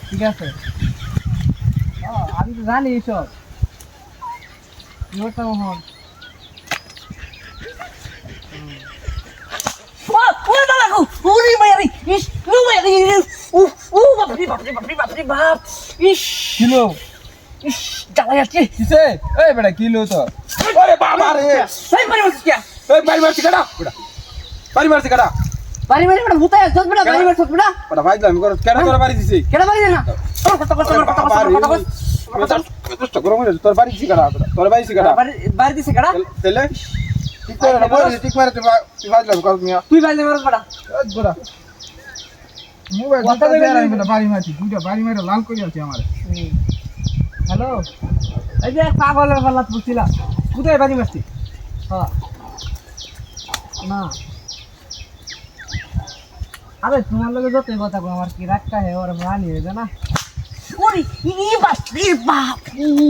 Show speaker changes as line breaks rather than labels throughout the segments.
ঠিক আছে আমি তো জানি এইসব কি করতাম মোহন কিলো
জ্বালা যাচ্ছে
কিসে এই বেটা কিলো তো
আরে বাবা রে এই বাড়ি মারছি কাটা বেটা বাড়ি মারছি কাটা
বাড়ি বাড়ি বেটা ভূতায় চল বেটা বাড়ি বাড়ি চল বেটা
বেটা ভাই আমি করে কেন তোর বাড়ি দিছি
কেন বাড়ি না
কষ্ট গরম হয়ে তোর বাড়ি দিছি কাটা তোর বাড়ি দিছি কাটা
বাড়ি দিছে কেডা
তেলে ঠিক করে না বলি ঠিক মারে তুই ভাজলাম কর মিয়া
তুই বাড়ি মারস বেটা
গোড়া
মোবাইল কথা দেবে না বেটা বাড়ি মারছি দুইটা বাড়ি মারে লাল করে আছে আমারে হ্যালো এই যে পাগলের পাল্লাত বুঝছিলা কোথায় বাড়ি মারছি হ্যাঁ না আরে তোমার লগে যতই কথা কো আমার কি রাগটা হে ওর রানি হয়ে যায় না
ওরে ই বাপ রে বাপ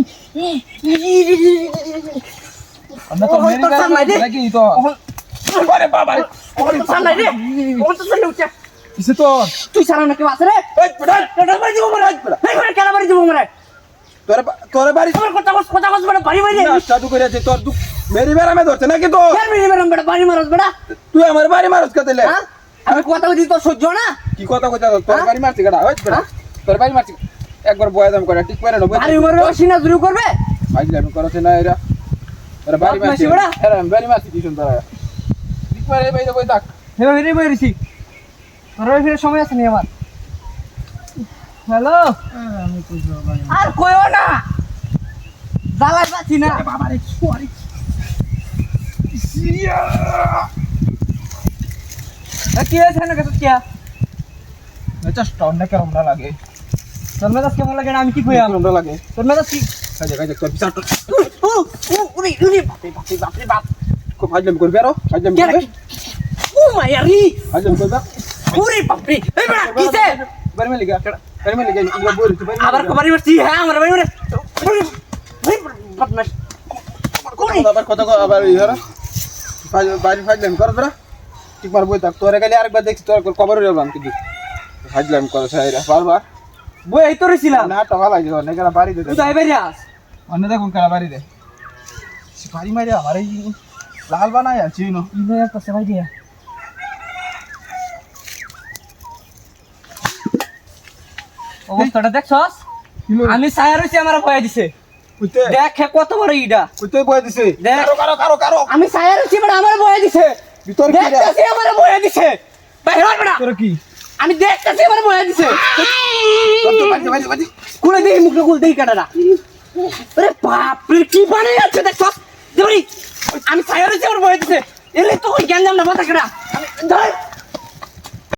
আমরা তো মেরে গেল নাকি তো
আরে বাবা রে
ওরে সামনে রে ওর তো সামনে উঠে
কিসে তো
তুই সারা নাকি আছে রে
এই বেটা
কেডা বাড়ি দিব মরে এই করে কেডা বাড়ি দিব মরে
তোর বাড়ি
আমার কথা কস বেটা বাড়ি বাড়ি
না চাটু করে আছে তোর মেরি বেড়া মে ধরছে নাকি তো
কেন মেরে বেরম বেটা বাড়ি মারস বেটা
তুই আমার বাড়ি মারছ কতলে
হ্যাঁ আমি কথা বলি তোর সহ্য না
কি কথা কইতা তোর বাড়ি মারছি কাটা ওই বেটা তোর বাড়ি মারছি একবার বয়া দাম করে ঠিক করে না
আরে মরে সিনা শুরু করবে
ভাজলাম করছে না এরা তোর বাড়ি মারছি
বেটা
এরা বাড়ি মারছি কি সুন্দর ঠিক করে এই বাইরে কই থাক
হেবা হেরে বইরিছি তোর ফিরে সময় আছে নি আমার হ্যালো আমি কই যাব ভাই
আর কইও না জ্বালাই পাচ্ছি না
বাবা রে সরি সিরিয়া
কি আছে না কত কি
এটা স্টন না কেমন লাগে
তোর মেজাজ কেমন লাগে না আমি কি কইয়াম
কেমন লাগে
তোর মেজাজ কি
কাজে কাজে তোর বিচার তো
উরি উরি বাপ রে বাপ
খুব ভাজলাম করবে আরো ভাজলাম
কেন
করবে
ও মায়ারি
ভাজলাম করবে
উরি বাপ রে এই বেটা কিসে
বাড়ি মে লিগা বাড়ি মে লিগা ইগলা বইরি তুই
আবার বাড়ি মারছি হ্যাঁ আমার বাড়ি মারে বদমাশ
আবার কথা আবার ইহারা বাড়ি ভাজলাম করবে না ঠিক মার বই থাক তোরে গেলে আরেকবার দেখছি তোর কবর হয়ে গেলাম কিন্তু ভাজলাম করছে এরা বারবার
বই এই তো রেছিলাম
না তো ভালো লাগে না কেন বাড়ি দে
তুই যাই বাইরে আস অন্য দেখুন কারা বাড়ি দে
বাড়ি মারি আমার এই লাল বানাই আছি নো
ইনে একটা সবাই দিয়া অবস্থাটা দেখছস আমি ছায়া রইছি আমার ভয় দিছে
কইতে
দেখ কত বড় ইডা
কইতে বই দিছে
দেখ।
কারো
আমি ছায়া রইছি বেটা আমার বয়া দিছে
ভিতর কি রে
দেখতেছি আমার বয়া দিছে বাইরে হট বেটা
তোর কি
আমি দেখতেছি আমার বয়া দিছে
বাড়ি
খুলে দেই মুখটা খুলে দেই কাটাটা আরে বাপ রে কি বানাই আছে দেখছস দেবরি আমি ছায়া রইছি আমার বয়া দিছে এলে তো জ্ঞান জাম না মাথা কাটা আমি ধর